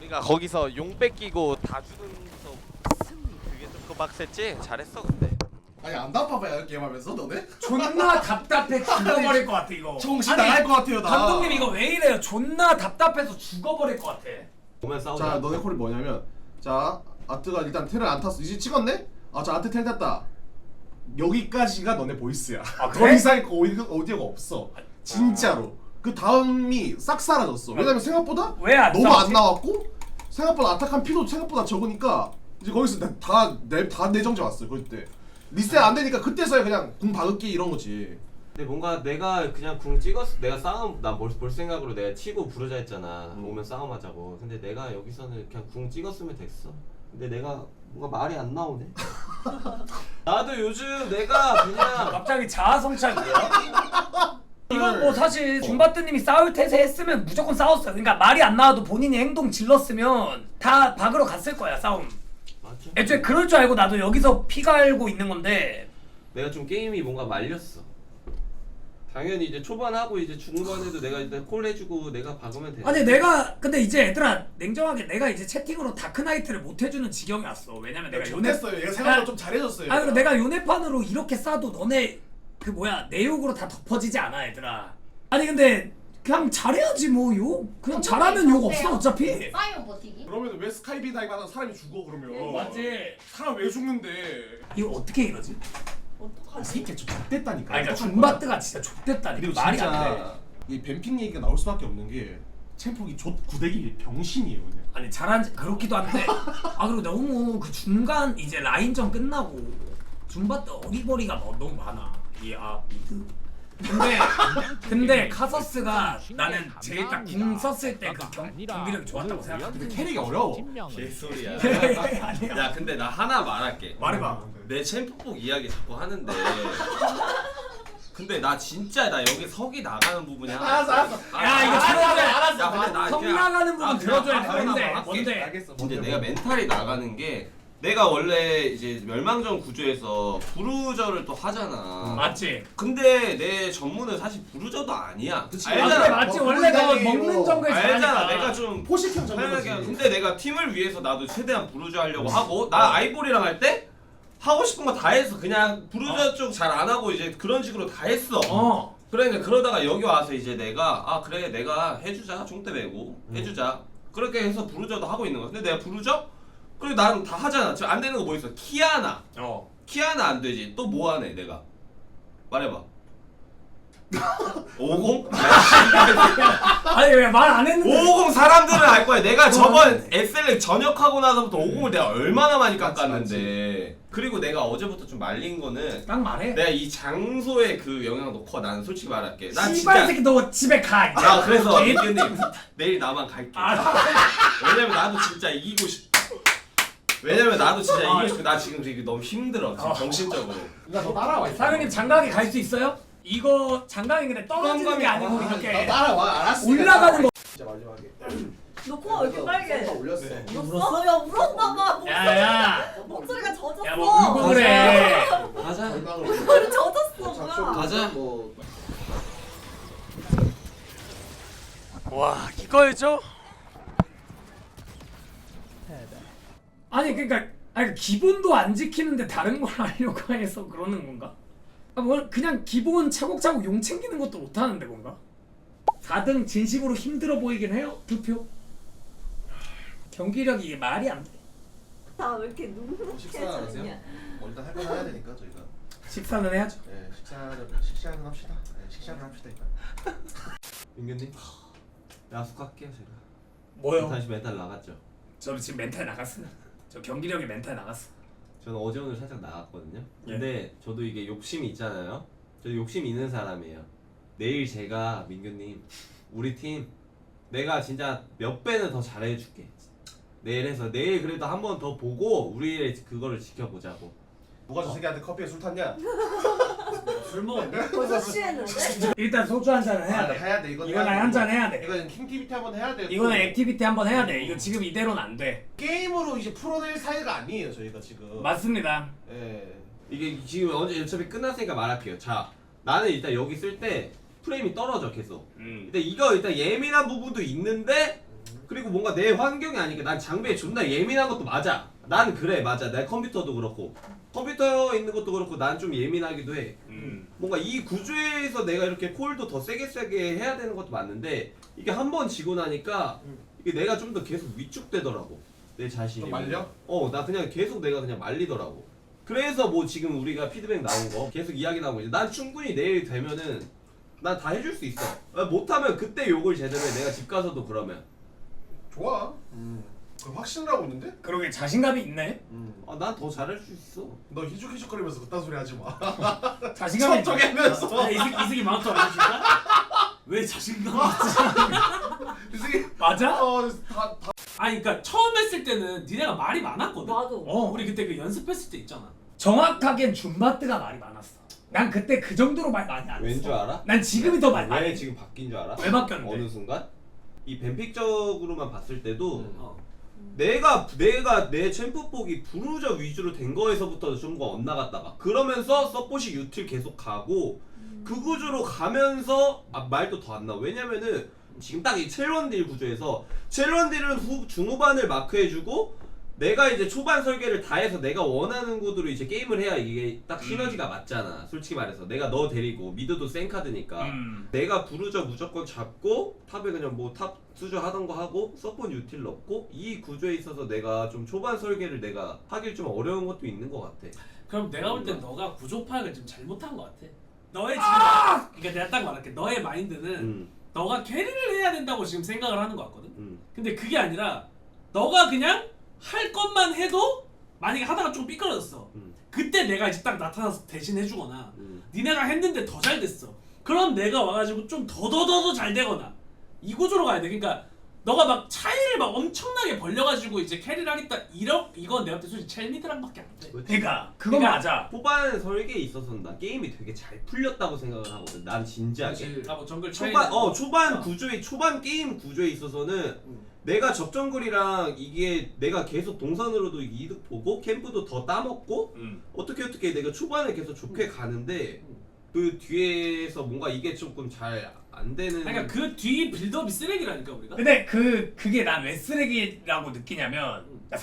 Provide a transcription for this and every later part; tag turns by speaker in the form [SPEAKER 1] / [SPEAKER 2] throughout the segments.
[SPEAKER 1] 그러니까 거기서 용 뺏기고 다 죽으면서 그게 좀 빡셌지? 잘했어 근데.
[SPEAKER 2] 아니 안 답답해요 게임하면서 너네?
[SPEAKER 3] 존나 답답해 죽어버릴 것 같아 이거.
[SPEAKER 2] 정신
[SPEAKER 3] 아니,
[SPEAKER 2] 나갈 것 같아요 나.
[SPEAKER 3] 감독님 이거 왜 이래요? 존나 답답해서 죽어버릴 것 같아.
[SPEAKER 4] 보면 싸우자.
[SPEAKER 2] 자 너네 콜이 뭐냐면 자 아트가 일단 텔을 안 탔어. 이제 찍었네? 아 자 아트 텔 탔다. 여기까지가 너네 보이스야.
[SPEAKER 3] 아,
[SPEAKER 2] 더
[SPEAKER 3] 그래?
[SPEAKER 2] 이상 오디오가 없어. 진짜로. 그 다음이 싹 사라졌어. 왜냐면 생각보다
[SPEAKER 3] 왜 안
[SPEAKER 2] 너무
[SPEAKER 3] 싸우지?
[SPEAKER 2] 안 나왔고 생각보다 아타칸 피도 생각보다 적으니까 이제 거기서 다 내정자 왔어요 그때. 리셋 안 되니까 그때서야 그냥 궁 박을게 이런 거지.
[SPEAKER 4] 근데 뭔가 내가 그냥 궁 찍었어. 내가 싸움 볼 생각으로 내가 치고 부르자 했잖아. 오면 싸움하자고. 근데 내가 여기서는 그냥 궁 찍었으면 됐어. 근데 내가 뭔가 말이 안 나오네. 나도 요즘 내가 그냥
[SPEAKER 3] 갑자기 자아성찰이야. 이건 뭐 사실 줌바트님이 싸울 태세 했으면 무조건 싸웠어요. 그러니까 말이 안 나와도 본인이 행동 질렀으면 다 박으러 갔을 거야 싸움.
[SPEAKER 4] 맞죠?
[SPEAKER 3] 애초에 그럴 줄 알고 나도 여기서 피 갈고 있는 건데.
[SPEAKER 4] 내가 좀 게임이 뭔가 말렸어. 당연히 이제 초반하고 이제 중반에도 내가 일단 콜 해주고 내가 박으면 돼.
[SPEAKER 3] 아니 내가 근데 이제 얘들아 냉정하게 내가 이제 채팅으로 다크나이트를 못 해주는 지경이 왔어. 왜냐면 내가
[SPEAKER 2] 좋댔어요. 얘가 생각보다 좀 잘해줬어요.
[SPEAKER 3] 아니 그리고 내가 요네판으로 이렇게 싸도 너네 그 뭐야 내 욕으로 다 덮어지지 않아 얘들아. 아니 근데 그냥 잘해야지 뭐 욕. 그냥 잘하면 욕 없어 어차피.
[SPEAKER 5] 사이언 버티기?
[SPEAKER 2] 그러면 왜 스카이비 다이브 하다 사람이 죽어 그러면?
[SPEAKER 3] 맞지.
[SPEAKER 2] 사람 왜 죽는데?
[SPEAKER 3] 이거 어떻게 이러지?
[SPEAKER 2] 이
[SPEAKER 5] 어떡하지?
[SPEAKER 2] 새끼 좀 X됐다니까.
[SPEAKER 3] 아니 그러니까 줌바트가 진짜 좆됐다니까.
[SPEAKER 2] 그리고
[SPEAKER 3] 말이 안 돼.
[SPEAKER 2] 진짜 이 뱀핑 얘기가 나올 수밖에 없는 게 챔프기 구대기 병신이에요 그냥.
[SPEAKER 3] 아니 잘한 그렇기도 한데 아 그리고 너무 그 중간 이제 라인전 끝나고 줌바트 어리버리가 너무 많아. 이아 미드. 근데 카서스가 나는 제일 딱 궁 썼을 때 그 경기력이 좋았다고 생각해.
[SPEAKER 2] 근데 캐릭이 어려워.
[SPEAKER 6] 개소리야.
[SPEAKER 3] 아니야.
[SPEAKER 6] 야 근데 나 하나 말할게.
[SPEAKER 3] 말해봐.
[SPEAKER 6] 내 챔프복 이야기 자꾸 하는데 근데 나 진짜 나 여기 석이 나가는 부분이 하나
[SPEAKER 2] 알았어.
[SPEAKER 3] 야 이거 들어줘야 돼.
[SPEAKER 6] 야 근데 나
[SPEAKER 3] 성
[SPEAKER 6] 그냥-
[SPEAKER 3] 나가는 부분
[SPEAKER 6] 나
[SPEAKER 3] 들어줘야 돼.
[SPEAKER 6] 그냥
[SPEAKER 3] 뭔데?
[SPEAKER 6] 하나만 할게.
[SPEAKER 3] 뭔데?
[SPEAKER 2] 알겠어.
[SPEAKER 6] 근데 내가 멘탈이 나가는 게 내가 원래 이제 멸망전 구조에서 부르저를 또 하잖아.
[SPEAKER 3] 맞지?
[SPEAKER 6] 근데 내 전문은 사실 부르저도 아니야.
[SPEAKER 2] 그치.
[SPEAKER 3] 아 그래
[SPEAKER 6] 알잖아.
[SPEAKER 3] 맞지
[SPEAKER 2] 뭐
[SPEAKER 3] 원래 너
[SPEAKER 2] 분단이
[SPEAKER 3] 먹는
[SPEAKER 2] 뭐
[SPEAKER 3] 정글
[SPEAKER 6] 알잖아.
[SPEAKER 3] 잘하니까.
[SPEAKER 6] 내가 좀
[SPEAKER 2] 포식형
[SPEAKER 6] 편하게
[SPEAKER 2] 전문이지.
[SPEAKER 6] 근데 내가 팀을 위해서 나도 최대한 부르저 하려고 하고 나 아이보리랑 할 때 하고 싶은 거 다 했어. 그냥 부르저 쪽 잘 안 하고 이제 그런 식으로 다 했어. 그러니까 그러다가 여기 와서 이제 내가 아 그래 내가 해주자 총대 메고 해주자 그렇게 해서 부르저도 하고 있는 거야. 근데 내가 부르저? 그리고 난 다 하잖아. 지금 안 되는 거 뭐 있어? 키아나. 키아나 안 되지. 또 뭐 하네 내가. 말해봐. 50?
[SPEAKER 3] 아니 왜 말 안 했는데?
[SPEAKER 6] 550 사람들은 알 거야. 내가 저번 SLX 전역하고 나서부터 50을 내가 얼마나 많이 깎았는데. 그리고 내가 어제부터 좀 말린 거는
[SPEAKER 3] 딱 말해.
[SPEAKER 6] 내가 이 장소에 그 영향도 커. 나는 솔직히 말할게. 난
[SPEAKER 3] 씨발
[SPEAKER 6] 진짜
[SPEAKER 3] 새끼 너 집에 가. 이제.
[SPEAKER 6] 나 그래서
[SPEAKER 3] 개-
[SPEAKER 6] 민규님 내일 나만 갈게. 왜냐면 나도 진짜 이기고 싶. 왜냐면 나도 진짜 이기고 싶어. 나 지금 되게 너무 힘들어. 지금 정신적으로.
[SPEAKER 2] 나 너 따라와.
[SPEAKER 3] 사장님 장가게 갈 수 있어요? 이거 장가게 근데 떨어지는 게 아니고
[SPEAKER 2] 나
[SPEAKER 3] 이렇게
[SPEAKER 2] 따라와. 알았어.
[SPEAKER 3] 올라가는 거.
[SPEAKER 2] 진짜 마지막에.
[SPEAKER 5] 너 코가 왜 이렇게 빨개?
[SPEAKER 2] 나 올렸어.
[SPEAKER 5] 울었어? 야 울었나봐.
[SPEAKER 3] 야야.
[SPEAKER 5] 목소리가 젖었어.
[SPEAKER 3] 야 뭐 울고 그래.
[SPEAKER 4] 가자.
[SPEAKER 5] 목소리 젖었어 뭐야?
[SPEAKER 4] 가자.
[SPEAKER 2] 뭐
[SPEAKER 1] 와 이거였죠?
[SPEAKER 3] 아니 그러니까 아니 기본도 안 지키는데 다른 걸 하려고 해서 그러는 건가? 아, 뭐 그냥 기본 차곡차곡 용 챙기는 것도 못 하는데 뭔가? 4등 진심으로 힘들어 보이긴 해요. 투표. 경기력이 이게 말이 안 돼.
[SPEAKER 5] 나 왜 이렇게
[SPEAKER 2] 식사 안 하세요?
[SPEAKER 5] 눅눅해졌냐?
[SPEAKER 2] 뭐 일단 할 건 해야 되니까 저희가.
[SPEAKER 3] 식사는 해야죠.
[SPEAKER 2] 네, 식사는 합시다. 네, 식사는 합시다 일단.
[SPEAKER 6] 민규님 야숙할게요 제가.
[SPEAKER 3] 뭐요?
[SPEAKER 6] 다시 멘탈 나갔죠.
[SPEAKER 3] 저는 지금 멘탈 나갔어요. 저 경기력이 멘탈 나갔어.
[SPEAKER 6] 저는 어제 오늘 살짝 나갔거든요. 근데 저도 이게 욕심이 있잖아요. 저도 욕심 있는 사람이에요. 내일 제가 민규님 우리 팀 내가 진짜 몇 배는 더 잘해줄게. 내일 해서 내일 그래도 한 번 더 보고 우리의 그거를 지켜보자고.
[SPEAKER 2] 누가 저 새끼한테 커피에 술 탔냐?
[SPEAKER 3] 술 먹었네.
[SPEAKER 5] 벌써 취했는데?
[SPEAKER 3] 일단 소주 한 잔은 해야 돼.
[SPEAKER 2] 해야 돼.
[SPEAKER 3] 이거는 한 잔 해야 돼.
[SPEAKER 2] 이거는 킹티비티 한번 해야 돼.
[SPEAKER 3] 이거는 액티비티 한번 해야 돼. 이거 지금 이대로는 안 돼.
[SPEAKER 2] 게임으로 이제 풀어낼 사이가 아니에요 저희가 지금.
[SPEAKER 3] 맞습니다.
[SPEAKER 2] 예.
[SPEAKER 6] 이게 지금 어차피 끝났으니까 말할게요. 자, 나는 일단 여기 쓸 때 프레임이 떨어져 계속. 근데 이거 일단 예민한 부분도 있는데
[SPEAKER 4] 그리고 뭔가 내 환경이 아니니까 난 장비에 존나 예민한 것도 맞아. 난 그래 맞아. 내 컴퓨터도 그렇고 컴퓨터 있는 것도 그렇고 난 좀 예민하기도 해. 뭔가 이 구조에서 내가 이렇게 콜도 더 세게 해야 되는 것도 맞는데 이게 한 번 지고 나니까 이게 내가 좀 더 계속 위축되더라고 내 자신이.
[SPEAKER 2] 좀 말려?
[SPEAKER 4] 나 그냥 계속 내가 그냥 말리더라고. 그래서 뭐 지금 우리가 피드백 나온 거 계속 이야기 나오고 이제 난 충분히 내일 되면은 난 다 해줄 수 있어. 못하면 그때 욕을 제대로 해. 내가 집 가서도 그러면.
[SPEAKER 2] 좋아. 그럼 확신을 하고 있는데?
[SPEAKER 3] 그러게 자신감이 있네.
[SPEAKER 4] 난 더 잘할 수 있어.
[SPEAKER 2] 너 희죽희죽거리면서 그딴 소리 하지 마.
[SPEAKER 3] 자신감이
[SPEAKER 2] 척척하면서.
[SPEAKER 7] 이승이 마운트 안 해줄까? 왜 자신감이 있지?
[SPEAKER 2] 이승이
[SPEAKER 3] 맞아?
[SPEAKER 2] 다
[SPEAKER 7] 아니 그러니까 처음 했을 때는 니네가 말이 많았거든.
[SPEAKER 5] 맞아.
[SPEAKER 7] 우리 그때 그 연습했을 때 있잖아.
[SPEAKER 3] 정확하겐 줌바트가 말이 많았어. 난 그때 그 정도로 말 많이 안 했어.
[SPEAKER 4] 왠 줄 알아?
[SPEAKER 3] 난 지금이 더 많이.
[SPEAKER 4] 왜 지금 바뀐 줄 알아?
[SPEAKER 3] 왜 바뀌었는데?
[SPEAKER 4] 어느 순간? 이 뱀픽적으로만 봤을 때도
[SPEAKER 7] 어.
[SPEAKER 4] 내가 내 챔프폭이 부르저 위주로 된 거에서부터 좀 더 엇나갔다가 그러면서 서폿이 유틸 계속 가고 그 구조로 가면서 말도 더 안 나와. 왜냐면은 지금 딱 이 첼런딜 구조에서 첼런딜은 중후반을 마크해주고 내가 이제 초반 설계를 다 해서 내가 원하는 구도로 이제 게임을 해야 이게 딱 시너지가 맞잖아. 솔직히 말해서 내가 너 데리고 미드도 센 카드니까 내가 부르저 무조건 잡고 탑에 그냥 뭐 탑 수저 하던 거 하고 서폿 유틸 넣고 이 구조에 있어서 내가 좀 초반 설계를 내가 하길 좀 어려운 것도 있는 것 같아.
[SPEAKER 7] 그럼 내가 볼 땐 너가 구조 파악을 좀 잘못한 것 같아. 너의 지금 그러니까 내가 딱 말할게. 너의 마인드는 너가 캐리를 해야 된다고 지금 생각을 하는 것 같거든. 근데 그게 아니라 너가 그냥 할 것만 해도 만약에 하다가 좀 삐뚤어졌어. 그때 내가 이제 딱 나타나서 대신 해주거나 니네가 했는데 더 잘 됐어. 그럼 내가 와가지고 좀 더 잘 되거나 이 구조로 가야 돼. 그러니까 너가 막 차이를 막 엄청나게 벌려가지고 이제 캐리를 하겠다 이건 내가 볼 때 솔직히 첼미드랑밖에 안 돼.
[SPEAKER 3] 그러니까 그거
[SPEAKER 7] 그러니까
[SPEAKER 3] 맞아.
[SPEAKER 4] 초반 설계에 있어서는 난 게임이 되게 잘 풀렸다고 생각을 하거든. 난 진지하게.
[SPEAKER 7] 뭐 정글
[SPEAKER 4] 초반 구조에 초반 게임 구조에 있어서는 내가 적정글이랑 이게 내가 계속 동선으로도 이득 보고 캠프도 더 따먹고 어떻게 내가 초반에 계속 좋게 가는데 그 뒤에서 뭔가 이게 조금 잘 안 되는.
[SPEAKER 7] 그러니까 그 뒤 빌드업이 쓰레기라니까 우리가.
[SPEAKER 3] 근데 그게 난 왜 쓰레기라고 느끼냐면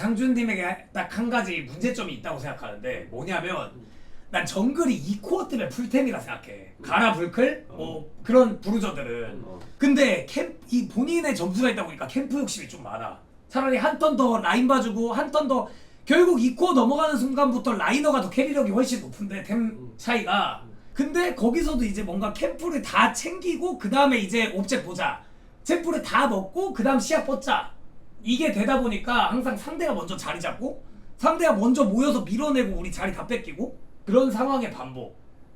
[SPEAKER 3] 상준님에게 딱 한 가지 문제점이 있다고 생각하는데 뭐냐면 난 정글이 2코어 때문에 풀템이라 생각해. 가라 불클 뭐 그런 부르저들은. 근데 이 본인의 점수가 있다 보니까 캠프 욕심이 좀 많아. 차라리 한 턴 더 라인 봐주고 한 턴 더 결국 2코어 넘어가는 순간부터 라이너가 더 캐리력이 훨씬 높은데 템 차이가. 근데 거기서도 이제 뭔가 캠프를 다 챙기고 그 다음에 이제 옵제 보자. 챔프를 다 먹고 그 다음 시야 뻗자. 이게 되다 보니까 항상 상대가 먼저 자리 잡고 상대가 먼저 모여서 밀어내고 우리 자리 다 뺏기고 그런 상황의 반복이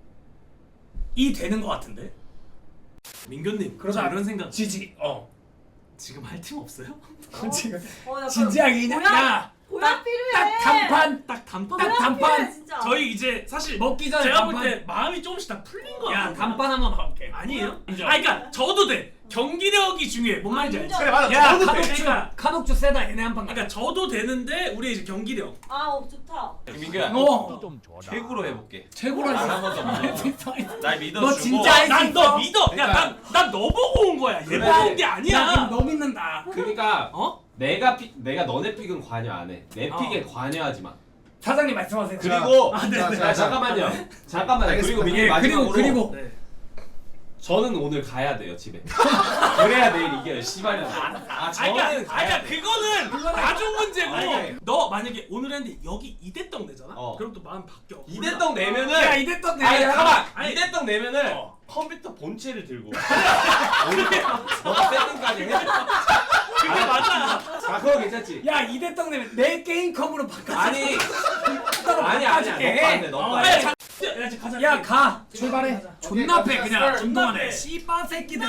[SPEAKER 3] 되는 것 같은데.
[SPEAKER 7] 민규님
[SPEAKER 3] 그러자
[SPEAKER 7] 저 이런 생각.
[SPEAKER 3] 지지.
[SPEAKER 7] 지금 할 팀 없어요?
[SPEAKER 3] 지금
[SPEAKER 5] 약간
[SPEAKER 3] 진지하게 그냥 야.
[SPEAKER 5] 보약 필요해.
[SPEAKER 3] 딱 단판
[SPEAKER 7] 딱 단판.
[SPEAKER 3] 딱 단판.
[SPEAKER 5] 필요해, 진짜.
[SPEAKER 7] 저희 이제 사실
[SPEAKER 3] 먹기 전에
[SPEAKER 7] 제가
[SPEAKER 3] 단판.
[SPEAKER 7] 볼 때 마음이 조금씩 다 풀린 거
[SPEAKER 3] 야
[SPEAKER 7] 같아요.
[SPEAKER 3] 단판 한번 가볼게.
[SPEAKER 7] 아니에요?
[SPEAKER 3] 인정.
[SPEAKER 7] 그러니까 저도 돼. 경기력이 중요해. 뭔 말인지 알지?
[SPEAKER 5] 인정.
[SPEAKER 2] 그래 맞아.
[SPEAKER 3] 야
[SPEAKER 2] 저도 돼.
[SPEAKER 3] 카독주
[SPEAKER 7] 그러니까-
[SPEAKER 3] 카독주 세다 얘네 한판 가.
[SPEAKER 7] 그러니까 저도 되는데 우리 이제 경기력.
[SPEAKER 5] 좋다.
[SPEAKER 6] 민규야 최고로 해볼게.
[SPEAKER 3] 최고라.
[SPEAKER 6] 안 하고서 날 믿어주고.
[SPEAKER 3] 너 진짜
[SPEAKER 7] 난 너 믿어.
[SPEAKER 6] 그러니까-
[SPEAKER 7] 야, 난 너 보고 온 거야. 얘
[SPEAKER 6] 그래.
[SPEAKER 7] 보고 온 게
[SPEAKER 3] 야
[SPEAKER 7] 아니야.
[SPEAKER 3] 너 믿는다.
[SPEAKER 4] 그러니까
[SPEAKER 7] 어?
[SPEAKER 4] 내가 너네 픽은 관여 안 해. 내 픽에 관여하지 마.
[SPEAKER 3] 사장님 말씀하세요.
[SPEAKER 4] 그리고
[SPEAKER 2] 자,
[SPEAKER 4] 자, 잠깐만요. 잠깐만요. 그리고
[SPEAKER 2] 알겠습니다.
[SPEAKER 4] 민규
[SPEAKER 3] 예,
[SPEAKER 4] 마지막으로
[SPEAKER 3] 그리고
[SPEAKER 7] 네.
[SPEAKER 4] 저는 오늘 가야 돼요 집에. 그래야 내일 이겨요. 씨발년. 저는 가야 돼.
[SPEAKER 7] 그거는 나중 문제고.
[SPEAKER 4] 아니,
[SPEAKER 7] 너 만약에 오늘 했는데 여기 이대떡 내잖아.
[SPEAKER 4] 어.
[SPEAKER 7] 그럼 또 마음 바뀌어.
[SPEAKER 4] 이대떡 내면은
[SPEAKER 3] 야 이대떡 내.
[SPEAKER 4] 아니 잠깐만.
[SPEAKER 7] 아니,
[SPEAKER 4] 이대떡 내면은
[SPEAKER 7] 어.
[SPEAKER 4] 컴퓨터 본체를 들고 너가 세팅까지 해.
[SPEAKER 7] 그게 맞아.
[SPEAKER 4] 아 그거 괜찮지?
[SPEAKER 3] 야 이대떡 내면 내 게임컴으로 바꿔.
[SPEAKER 4] 아니 아니
[SPEAKER 3] 바꿔줄게.
[SPEAKER 4] 너거 안 돼. 너거 안
[SPEAKER 7] 야,
[SPEAKER 4] 돼.
[SPEAKER 7] 야, 이제 가자.
[SPEAKER 3] 야 가. 출발해. 존나 패 그냥.
[SPEAKER 2] 오케이,
[SPEAKER 3] 존나 패.
[SPEAKER 7] 패.
[SPEAKER 3] 씨바 새끼들.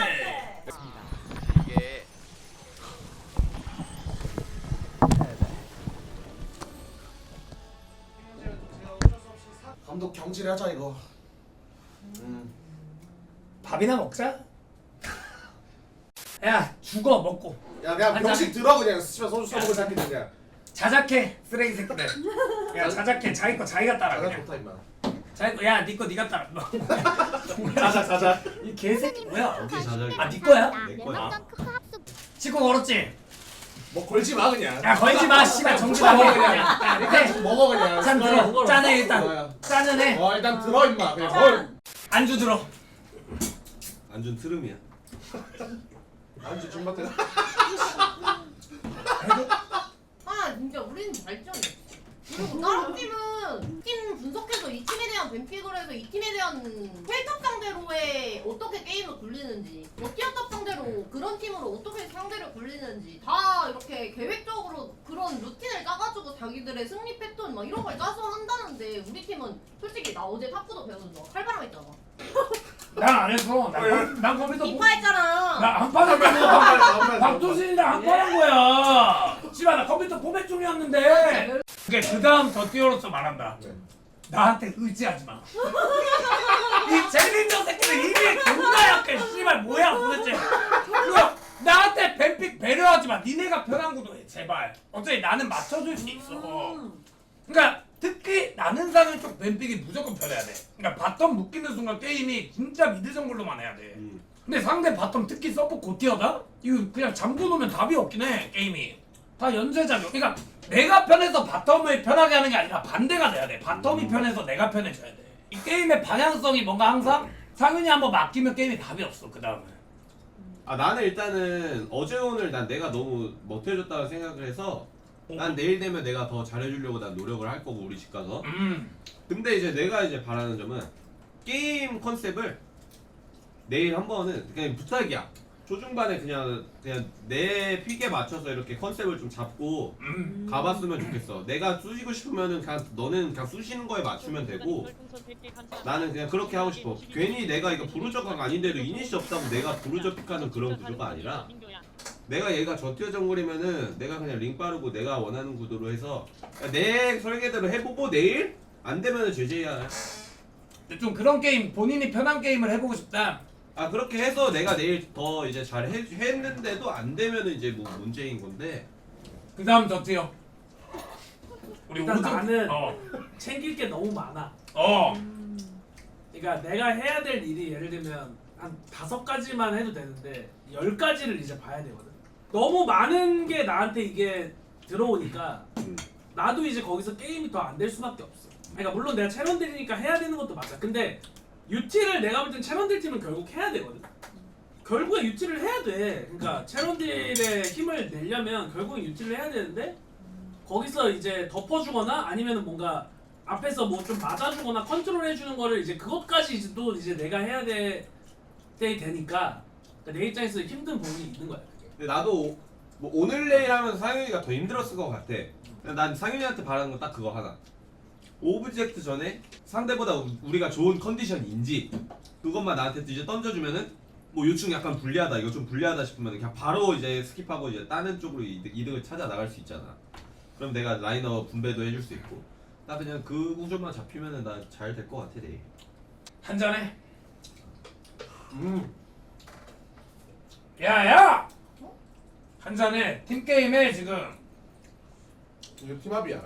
[SPEAKER 1] 이게
[SPEAKER 2] 감독 경질하자 이거.
[SPEAKER 3] 밥이나 먹자. 야 죽어 먹고.
[SPEAKER 2] 야 그냥
[SPEAKER 3] 한
[SPEAKER 2] 병식 들어 그냥 씨발 소주 써먹을 새끼들 그냥.
[SPEAKER 3] 자작해 쓰레기 새끼들. 야 자작해 자기 거 자기가 따라
[SPEAKER 2] 나가
[SPEAKER 3] 그냥.
[SPEAKER 2] 좋다 임마.
[SPEAKER 3] 자기 거 야 니 거 니가 따라.
[SPEAKER 4] 자자.
[SPEAKER 3] 이 개새끼 뭐야?
[SPEAKER 4] 어디 자작이?
[SPEAKER 3] 아 니 거야?
[SPEAKER 4] 내 거야.
[SPEAKER 3] 치고 걸었지?
[SPEAKER 2] 뭐 걸지 마 그냥.
[SPEAKER 3] 야 걸지 마 씨발 정신하게
[SPEAKER 2] 먹어
[SPEAKER 3] 그냥.
[SPEAKER 2] 그냥.
[SPEAKER 3] 야,
[SPEAKER 2] 일단
[SPEAKER 3] 이렇게
[SPEAKER 2] 좀 먹어 그냥.
[SPEAKER 3] 짠 들어. 짠해 일단.
[SPEAKER 2] 뭐야.
[SPEAKER 3] 짠은 해.
[SPEAKER 2] 일단 들어 임마. 그냥 뭘.
[SPEAKER 3] 안주 들어.
[SPEAKER 4] 안준 트름이야.
[SPEAKER 2] 안주 좀 같아.
[SPEAKER 8] 아 진짜 우리는 발전이 그리고 다른 팀은 팀 분석해서 이 팀에 대한 뱀픽을 해서 이 팀에 대한 헬탑 상대로의 어떻게 게임을 굴리는지 티어탑 상대로 그런 팀으로 어떻게 상대를 굴리는지 다 이렇게 계획적으로 그런 루틴을 짜가지고 자기들의 승리 패턴 막 이런 걸 짜서 한다는데 우리 팀은 솔직히 나 어제 탁구도 배우면서 칼바람 했잖아.
[SPEAKER 3] 난 안 했어. 난 컴퓨터
[SPEAKER 8] 이파 했잖아.
[SPEAKER 3] 나안 받았잖아. 박도신이랑 안 받은 거야. 씨발 나 컴퓨터 포맷 중이었는데. 그 다음 더 뛰어로서 말한다. 나한테 의지하지 마. 이 젤린저 새끼들 이미 존나 약해. 씨발 뭐야 도대체. 그거 나한테 뱀픽 배려하지 마. 니네가 편한 구도해 제발. 어차피 나는 맞춰줄 수 있어. 그러니까 특히 나는 사는 쪽 뱀픽이 무조건 편해야 돼. 그러니까 바텀 묶이는 순간 게임이 진짜 미드 정글로만 해야 돼. 근데 상대 바텀 특히 서포 고티어다? 이거 그냥 잠궈놓으면 답이 없긴 해 게임이. 다 연쇄작용. 그러니까 내가 편해서 바텀을 편하게 하는 게 아니라 반대가 돼야 돼. 바텀이 편해서 내가 편해져야 돼. 이 게임의 방향성이 뭔가 항상 상윤이 한번 맡기면 게임에 답이 없어 그 다음에.
[SPEAKER 4] 아 나는 일단은 어제 오늘 난 내가 너무 못해줬다고 생각을 해서 난 내일 되면 내가 더 잘해주려고 난 노력을 할 거고 우리 집 가서. 근데 이제 내가 이제 바라는 점은 게임 컨셉을 내일 한 번은 그냥 부탁이야. 초중반에 그냥 내 픽에 맞춰서 이렇게 컨셉을 좀 잡고 가봤으면 좋겠어. 내가 쑤시고 싶으면은 그냥 너는 그냥 쑤시는 거에 맞추면 되고 나는 그냥 그렇게 하고 싶어. 괜히 내가 이거 부르저가 아닌데도 이니시 없다고 내가 부르저 픽하는 그런 구조가 아니라 내가 얘가 저티어 정글이면은 내가 그냥 링 빠르고 내가 원하는 구도로 해서 내 설계대로 해보고 내일 안 되면은 제재야.
[SPEAKER 3] 근데 좀 그런 게임 본인이 편한 게임을 해보고 싶다.
[SPEAKER 4] 아 그렇게 해서 내가 내일 더 이제 잘 했는데도 안 되면은 이제 뭐 문제인 건데.
[SPEAKER 3] 그 다음 더 뛰어. 우리
[SPEAKER 7] 일단
[SPEAKER 3] 오전
[SPEAKER 7] 나는 챙길 게 너무 많아. 그러니까 내가 해야 될 일이 예를 들면 한 5가지만 해도 되는데 10가지를 이제 봐야 되거든. 너무 많은 게 나한테 이게 들어오니까 나도 이제 거기서 게임이 더 안 될 수밖에 없어. 그러니까 물론 내가 채널들이니까 해야 되는 것도 맞아. 근데 UT를 내가 볼 땐 채널들 팀은 결국 해야 되거든. 결국에 UT를 해야 돼. 그러니까 채널들의 힘을 내려면 결국엔 UT를 해야 되는데 거기서 이제 덮어주거나 아니면은 뭔가 앞에서 뭐 좀 맞아주거나 컨트롤해주는 거를 이제 그것까지 이제 또 이제 내가 해야 되니까 그러니까 내 입장에서 힘든 부분이 있는 거야.
[SPEAKER 4] 근데 나도 뭐 오늘 내일 하면서 상윤이가 더 힘들었을 것 같아. 난 상윤이한테 바라는 건 딱 그거 하나. 오브젝트 전에 상대보다 우리가 좋은 컨디션인지 그것만 나한테 이제 던져주면은 뭐 요충 약간 불리하다 이거 좀 불리하다 싶으면 그냥 바로 이제 스킵하고 이제 다른 쪽으로 이득을 찾아 나갈 수 있잖아. 그럼 내가 라이너 분배도 해줄 수 있고 나 그냥 그 구조만 잡히면은 나 잘 될 것 같아 내일.
[SPEAKER 3] 한 잔해. 야야. 한 잔해. 팀 게임에 지금.
[SPEAKER 2] 이거 팀합이야.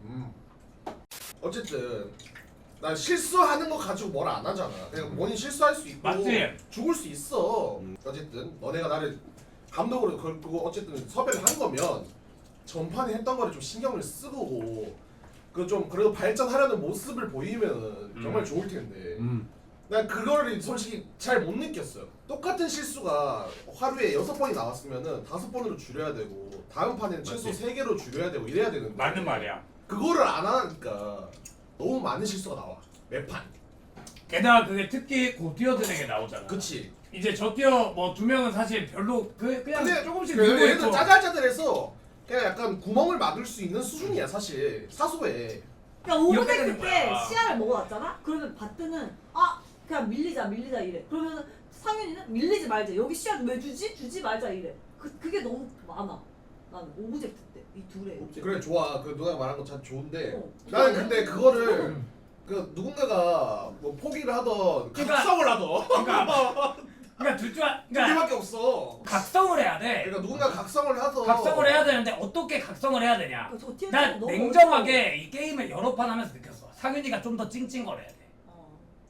[SPEAKER 2] 어쨌든 난 실수하는 거 가지고 뭘 안 하잖아. 그냥 본인 실수할 수 있고
[SPEAKER 3] 맞지?
[SPEAKER 2] 죽을 수 있어. 어쨌든 너네가 나를 감독으로 걸고 어쨌든 섭외를 한 거면 전판에 했던 거를 좀 신경을 쓰고 그 좀 그래도 발전하려는 모습을 보이면은 정말 좋을 텐데 난 그거를 솔직히 잘 못 느꼈어요. 똑같은 실수가 하루에 6번이 나왔으면은 5번으로 줄여야 되고 다음 판에는 최소 3개로 줄여야 되고 이래야 되는데
[SPEAKER 3] 맞는 말이야.
[SPEAKER 2] 그거를 안 하니까 너무 많은 실수가 나와 매판.
[SPEAKER 3] 게다가 그게 특히 고티어들에게 나오잖아.
[SPEAKER 2] 그치.
[SPEAKER 3] 이제 저 티어 뭐 2명은 사실 별로 그냥
[SPEAKER 2] 근데
[SPEAKER 3] 조금씩
[SPEAKER 2] 얘는
[SPEAKER 3] 늘고 있고.
[SPEAKER 2] 짜잘짜잘해서 그냥 약간 구멍을 막을 수 있는 수준이야 사실. 사소해.
[SPEAKER 5] 그러니까
[SPEAKER 3] 이렇게
[SPEAKER 5] 오브젝트
[SPEAKER 3] 되는
[SPEAKER 5] 때
[SPEAKER 3] 거야.
[SPEAKER 5] 시야를 먹어놨잖아? 그러면 바트는 그냥 밀리자 이래. 그러면 상윤이는 밀리지 말자. 여기 시야 왜 주지 말자 이래. 그게 너무 많아. 나는 오브젝트 때 이 둘에.
[SPEAKER 2] 그래 좋아. 그 누나가 말한 거 참 좋은데
[SPEAKER 5] 어.
[SPEAKER 2] 나는 근데 그거를 그 누군가가 뭐 포기를 하던
[SPEAKER 3] 그러니까-
[SPEAKER 2] 각성을 하던
[SPEAKER 3] 그러니까 둘 중
[SPEAKER 2] 두
[SPEAKER 3] 그러니까
[SPEAKER 2] 개밖에 없어.
[SPEAKER 3] 각성을 해야 돼.
[SPEAKER 2] 그러니까 누군가 각성을 하던
[SPEAKER 3] 각성을 해야 되는데 어떻게 각성을 해야 되냐?
[SPEAKER 5] 저 티어
[SPEAKER 3] 난
[SPEAKER 5] 너무
[SPEAKER 3] 냉정하게 이 게임을 여러 판 하면서 느꼈어. 상윤이가 좀 더 찡찡거려야 돼.
[SPEAKER 5] 어려워.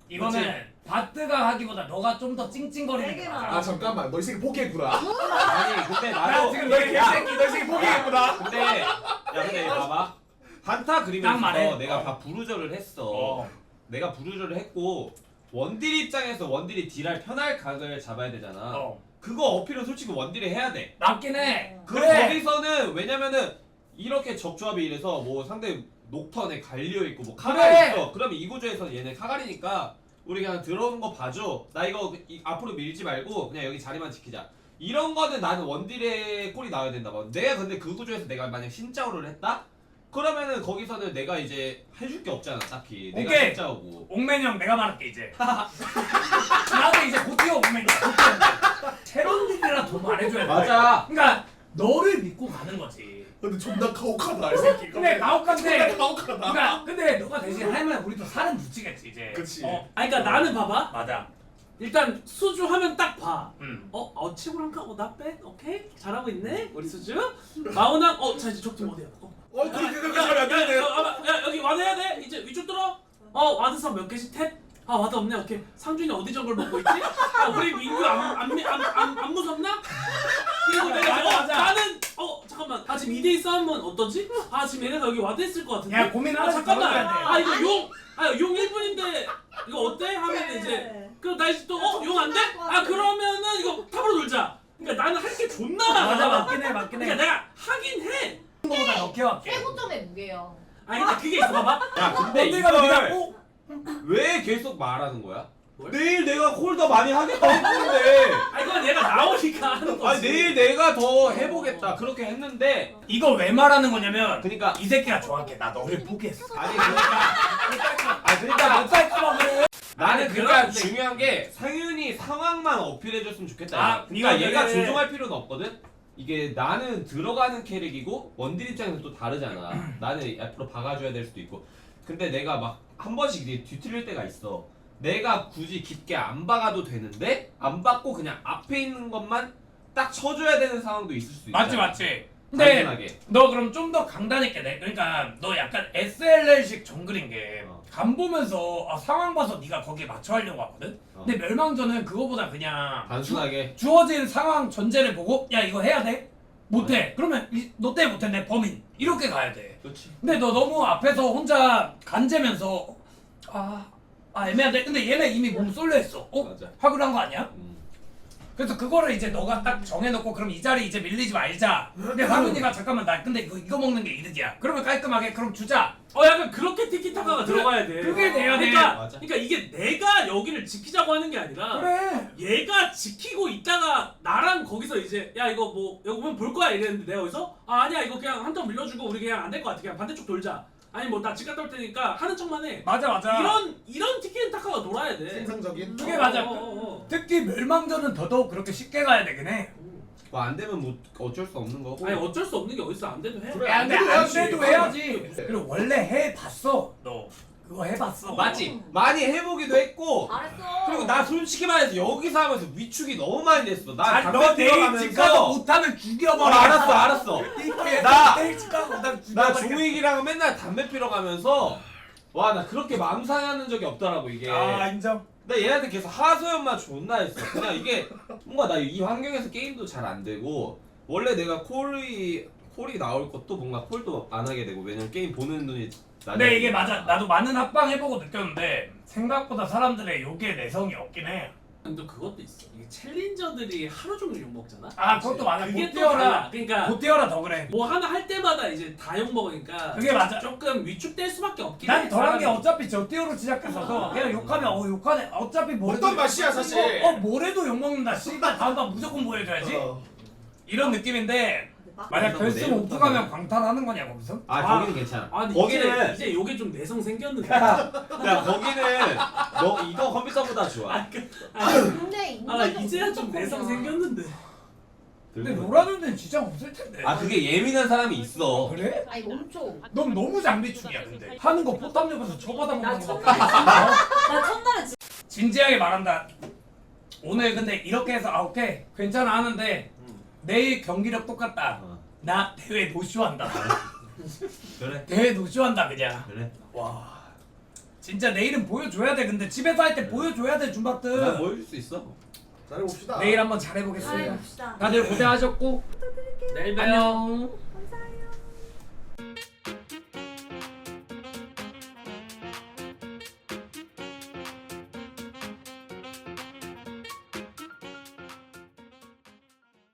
[SPEAKER 3] 이거는 바트가 하기보다 너가 좀 더 찡찡거리는 게
[SPEAKER 5] 세게만.
[SPEAKER 3] 맞아.
[SPEAKER 2] 아 잠깐만 너 이 새끼 포기했구나.
[SPEAKER 4] 아니 근데
[SPEAKER 3] 나
[SPEAKER 4] 나도
[SPEAKER 3] 지금 너희 개새끼 너 이 새끼 포기했구나.
[SPEAKER 4] 근데 야 근데 봐봐 한타
[SPEAKER 3] 딱
[SPEAKER 4] 그리면서
[SPEAKER 3] 말해.
[SPEAKER 4] 내가 다 부르저를 했어. 내가 부르저를 했고 원딜 입장에서 원딜이 딜할 편할 각을 잡아야 되잖아. 그거 어필은 솔직히 원딜이 해야 돼.
[SPEAKER 3] 맞긴 해.
[SPEAKER 4] 그럼
[SPEAKER 3] 그래.
[SPEAKER 4] 거기서는 왜냐면은 이렇게 적조합이 이래서 뭐 상대 녹턴에 갈리오 있고 뭐 카갈
[SPEAKER 3] 그래.
[SPEAKER 4] 있어. 그러면 이 구조에서 얘네 카갈이니까 우리 그냥 들어오는 거 봐줘. 나 이거 앞으로 밀지 말고 그냥 여기 자리만 지키자. 이런 거는 나는 원딜의 꼴이 나와야 된다 봐. 내가 근데 그 구조에서 내가 만약 신짜오를 했다? 그러면은 거기서는 내가 이제 해줄 게 없잖아 딱히. 내가
[SPEAKER 3] 오케이.
[SPEAKER 4] 신짜오고.
[SPEAKER 3] 옥맨이 형 내가 말할게 이제. 나도 이제 곧뛰어 옥맨이야. 체론딜이라 더 말해줘야 돼.
[SPEAKER 4] 맞아.
[SPEAKER 3] 그러니까 너를 믿고 가는 거지.
[SPEAKER 2] 근데 존나 가혹하다 이 새끼.
[SPEAKER 3] 근데 가혹한데.
[SPEAKER 2] 가혹하다.
[SPEAKER 3] 그러니까 근데 너가 대신 하면 우리도 살은 붙이겠지 이제.
[SPEAKER 2] 그치.
[SPEAKER 7] 아니 그러니까 나는 봐봐.
[SPEAKER 3] 맞아.
[SPEAKER 7] 일단 수주 하면 딱 봐.
[SPEAKER 3] 응.
[SPEAKER 7] 치고랑가? 나 뺀? 오케이? 잘하고 있네? 우리 수주? 마우나? 자 이제 적팀 어디야?
[SPEAKER 2] 그렇게 하면 안 되네.
[SPEAKER 7] 야 여기 와드 해야 돼? 이제 위쪽 들어? 와드선 몇 개씩 탭? 와드 없네. 오케이. 상준이 어디 정글 먹고 있지? 우리 민규 안 무섭나? 그리고 내가
[SPEAKER 3] 맞아.
[SPEAKER 7] 나는 잠깐만. 지금 2대2 싸움은 어떠지? 지금 얘네가 여기 와드 했을 것 같은데.
[SPEAKER 3] 야 고민하면서
[SPEAKER 7] 잠깐만.
[SPEAKER 3] 걸어야 돼.
[SPEAKER 7] 이거 용 1분인데 이거 어때? 하면 이제 그럼 나 이제 또 용 안 돼? 그러면은 이거 탑으로 놀자. 그러니까 나는 할 게 존나 많아.
[SPEAKER 3] 맞아 맞긴 해 맞긴 해.
[SPEAKER 7] 그러니까 내가 하긴 해.
[SPEAKER 3] 거보다 더 케어할게.
[SPEAKER 8] 최고점의 무게야.
[SPEAKER 7] 근데 그게 있어 봐봐.
[SPEAKER 4] 야 근데
[SPEAKER 3] 내가 네가
[SPEAKER 4] 이걸
[SPEAKER 3] 꼭
[SPEAKER 4] 왜 계속 말하는 거야?
[SPEAKER 7] 뭘?
[SPEAKER 4] 내일 내가 콜더 많이 하겠다 했는데.
[SPEAKER 7] 이건 얘가 나오니까 하는 거지.
[SPEAKER 4] 아니 내일 내가 더 해보겠다 그렇게 했는데.
[SPEAKER 3] 이거 왜 말하는 거냐면
[SPEAKER 4] 그러니까
[SPEAKER 3] 이 새끼가 정확해. 나 너를 포기했어.
[SPEAKER 4] 아니 그러니까
[SPEAKER 3] 못살까봐 그래.
[SPEAKER 4] 나는 그러니까
[SPEAKER 7] 그런데-
[SPEAKER 4] 중요한 게 상윤이 상황만 어필해줬으면 좋겠다.
[SPEAKER 3] 아,
[SPEAKER 4] 그러니까
[SPEAKER 3] 이거
[SPEAKER 4] 얘가
[SPEAKER 3] 그래.
[SPEAKER 4] 조종할 필요는 없거든. 이게 나는 들어가는 캐릭이고 원딜 입장에서 또 다르잖아. 나는 앞으로 박아줘야 될 수도 있고. 근데 내가 막 한 번씩 이게 뒤틀릴 때가 있어. 내가 굳이 깊게 안 박아도 되는데 안 박고 그냥 앞에 있는 것만 딱 쳐줘야 되는 상황도 있을 수 있잖아.
[SPEAKER 3] 맞지 맞지. 근데
[SPEAKER 4] 단순하게.
[SPEAKER 3] 너 그럼 좀 더 강단있게 내. 그러니까 너 약간 SLL식 정글인 게 간 보면서 상황 봐서 네가 거기에 맞춰 하려고 하거든. 근데 멸망전은 그거보다 그냥
[SPEAKER 4] 단순하게.
[SPEAKER 3] 주어진 상황 전제를 보고 야 이거 해야 돼? 못해. 그러면 너 때문에 못했네 범인. 이렇게 가야 돼.
[SPEAKER 4] 그렇지.
[SPEAKER 3] 근데 너 너무 앞에서 혼자 간재면서 애매한데. 근데 얘네 이미 몸 쏠려 있어.
[SPEAKER 4] 맞아.
[SPEAKER 3] 하기로 한 거 아니야? 그래서 그거를 이제 너가 딱 정해놓고 그럼 이 자리 이제 밀리지 말자. 근데 황윤이가 잠깐만 나 근데 이거 먹는 게 이득이야. 그러면 깔끔하게 그럼 주자.
[SPEAKER 7] 약간 그렇게 티키타카가
[SPEAKER 3] 그래,
[SPEAKER 7] 들어가야 돼.
[SPEAKER 3] 그게 돼야 돼.
[SPEAKER 4] 맞아.
[SPEAKER 7] 그러니까 이게 내가 여기를 지키자고 하는 게 아니라
[SPEAKER 3] 그래.
[SPEAKER 7] 얘가 지키고 있다가 나랑 거기서 이제 야 이거 뭐 여기 보면 볼 거야 이랬는데 내가 여기서 아니야 이거 그냥 한 턴 밀려주고 우리 그냥 안 될 것 같아 그냥 반대쪽 돌자. 아니 뭐 나 집 갔다 올 테니까 하는 척만 해.
[SPEAKER 3] 맞아.
[SPEAKER 7] 이런 티키타카가 놀아야 돼.
[SPEAKER 2] 생산적인.
[SPEAKER 3] 그게 맞아.
[SPEAKER 7] 어.
[SPEAKER 3] 특히 멸망전은 더더욱 그렇게 쉽게 가야 되긴 해.
[SPEAKER 4] 뭐 안 되면 뭐 어쩔 수 없는 거고.
[SPEAKER 7] 아니 어쩔 수 없는 게 어딨어 안 돼도 해.
[SPEAKER 2] 그래.
[SPEAKER 3] 야, 근데 안
[SPEAKER 2] 해야지.
[SPEAKER 3] 돼도 해야지. 그리고 원래 해봤어. 너 그거 해봤어.
[SPEAKER 4] 맞지? 많이 해보기도 했고.
[SPEAKER 5] 잘했어.
[SPEAKER 4] 그리고 나 솔직히 말해서 여기서 하면서 위축이 너무 많이 됐어. 나
[SPEAKER 3] 너
[SPEAKER 4] 담배
[SPEAKER 3] 내일
[SPEAKER 4] 피러
[SPEAKER 3] 집 가서
[SPEAKER 4] 가면서.
[SPEAKER 3] 못하면 죽여버려.
[SPEAKER 4] 알았어.
[SPEAKER 3] 나 내일 집 가서 못하면
[SPEAKER 4] 나
[SPEAKER 3] 죽여버려.
[SPEAKER 4] 종익이랑 맨날 담배 피러 가면서 와 나 그렇게 마음 상하는 적이 없더라고 이게.
[SPEAKER 3] 인정.
[SPEAKER 4] 나 얘한테 계속 하소연만 존나 했어. 그냥 이게 뭔가 나 이 환경에서 게임도 잘 안 되고 원래 내가 콜이 나올 것도 뭔가 콜도 안 하게 되고 왜냐면 게임 보는 눈이
[SPEAKER 3] 근데 이게 맞아. 나도 많은 합방 해보고 느꼈는데 생각보다 사람들의 욕에 내성이 없긴 해.
[SPEAKER 7] 근데 그것도 있어. 이게 챌린저들이 하루 종일 욕 먹잖아.
[SPEAKER 3] 그것도 맞아.
[SPEAKER 7] 그게
[SPEAKER 3] 못
[SPEAKER 7] 또
[SPEAKER 3] 뛰어라.
[SPEAKER 7] 달라. 그러니까
[SPEAKER 3] 못 뛰어라 더 그래.
[SPEAKER 7] 뭐 하나 할 때마다 이제 다 욕 먹으니까
[SPEAKER 3] 그게 맞아.
[SPEAKER 7] 조금 위축될 수밖에 없긴 해.
[SPEAKER 3] 난 덜한 게
[SPEAKER 7] 사람이.
[SPEAKER 3] 어차피 저 뛰어로 시작했어서 그냥 욕하면 욕하네. 어차피 뭐래도
[SPEAKER 2] 어떤 맛이야 사실.
[SPEAKER 3] 뭐래도 욕 먹는다. 씨발 다음 번 무조건 보여줘야지.
[SPEAKER 2] 어.
[SPEAKER 3] 이런 느낌인데 만약
[SPEAKER 4] 그래서
[SPEAKER 3] 결승
[SPEAKER 4] 뭐
[SPEAKER 3] 오프 가면 광탈하는 거냐 거기서?
[SPEAKER 4] 거기는 괜찮아.
[SPEAKER 7] 근데
[SPEAKER 4] 거기는
[SPEAKER 7] 이제 요게 좀 내성 생겼는데.
[SPEAKER 4] 야 거기는 너 이거 컴퓨터보다 좋아.
[SPEAKER 8] 근데 인간이
[SPEAKER 7] 이제야 좀 내성 생겼는데.
[SPEAKER 3] 근데 노라는 데는 지장 없을 텐데.
[SPEAKER 4] 그게 예민한 사람이 있어.
[SPEAKER 3] 그래?
[SPEAKER 8] 아니 멈춰.
[SPEAKER 3] 넌 너무 장비충이야 근데. 하는 거 포탑 옆에서 쳐받아
[SPEAKER 5] 나
[SPEAKER 3] 먹는 거.
[SPEAKER 5] 첫날에 나 첫날에
[SPEAKER 3] 진지하게 말한다. 오늘 근데 이렇게 해서 오케이 괜찮아 하는데 내일 경기력 똑같다. 나 대회 노쇼한다.
[SPEAKER 4] 그래.
[SPEAKER 3] 대회 노쇼한다 그냥.
[SPEAKER 4] 그래.
[SPEAKER 3] 와 진짜 내일은 보여줘야 돼. 근데 집에서 할 때 보여줘야 돼
[SPEAKER 4] 나
[SPEAKER 3] 줌바트.
[SPEAKER 4] 보여줄 수 있어.
[SPEAKER 2] 잘해봅시다.
[SPEAKER 3] 내일 한번 잘해보겠습니다.
[SPEAKER 5] 봅시다.
[SPEAKER 3] 다들 고생하셨고
[SPEAKER 7] 내일 봬요.
[SPEAKER 3] 안녕.